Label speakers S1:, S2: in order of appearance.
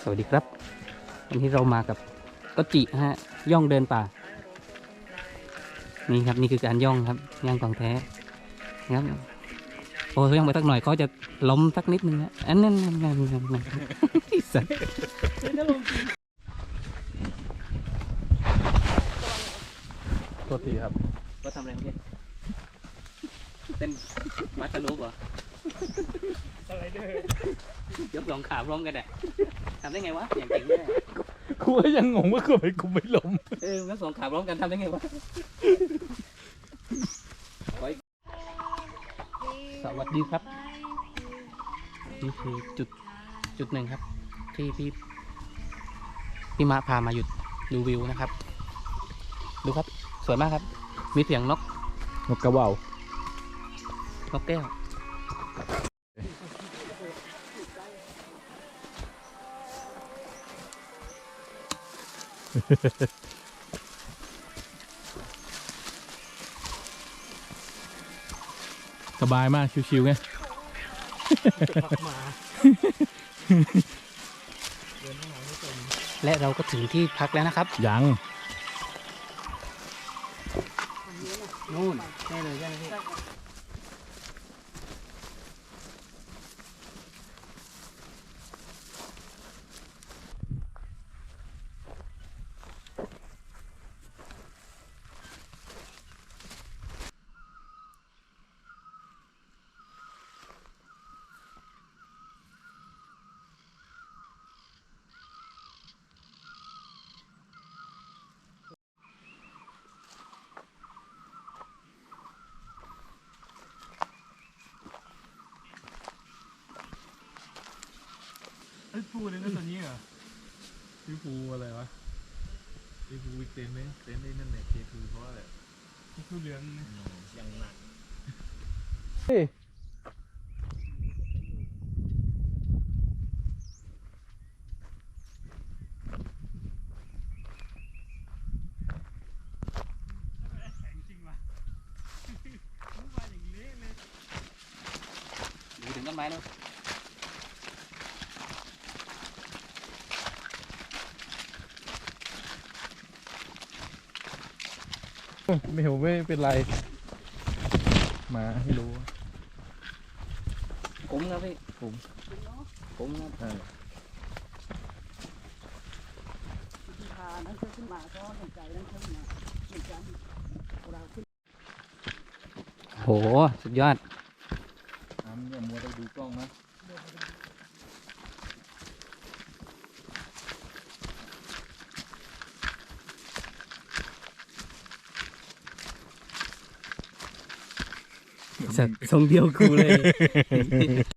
S1: สวัสดีครับวันนี้เรามากับก็จิฮะย่องเดินป่านี่ครับนี่คือการย่องครับย่องของแท้ครับโอ้ย่องไปสักหน่อยเขาจะล้มสักนิดนึงนะอันนั้นสัตว์
S2: ตัวทีครับ
S1: ก็ทำอะไรเมื่อกี้เต้นมัดสนุกเหรออะไรเด้อยกสองขาพร้อมกันอ่ะทำได้ไงวะอย่างเก่งเลย
S2: กูก็ยังงงว่ากูไม่ล้ม
S1: ยกสองขาพร้อมกันทำได้ไงวะสวัสดีครับนี่คือจุดหนึ่งครับที่พี่มาพามาหยุดดูวิวนะครับดูครับสวยมากครับมีเสียงนก
S2: กระเบาน
S1: กแก้ว
S2: สบายมากชิวๆไง
S1: และเราก็ถึงที่พักแล้วนะครับ
S2: ยัง
S1: นู่นใช่เลยใช่เลย
S2: ไอ้ภูนี่นั่นตัวนี้เหรอพี่ภูอะไรวะพี่ภูวิกเต็นไหมเต็นได้นั่นแหละเคคือเพราะอะไรพี่ภูเรือนยังหนักเฮ้ย
S1: ดูถึงต้นไม้แล้ว
S2: ไม่เป็นไรมาให้รู้
S1: คุ้มครับพี่
S2: ผม
S1: คุ้มครับโหสุดยอด
S2: อย่ามัวไปดูกล้องนะ
S1: สัตว์ทรงเดียวกูเลย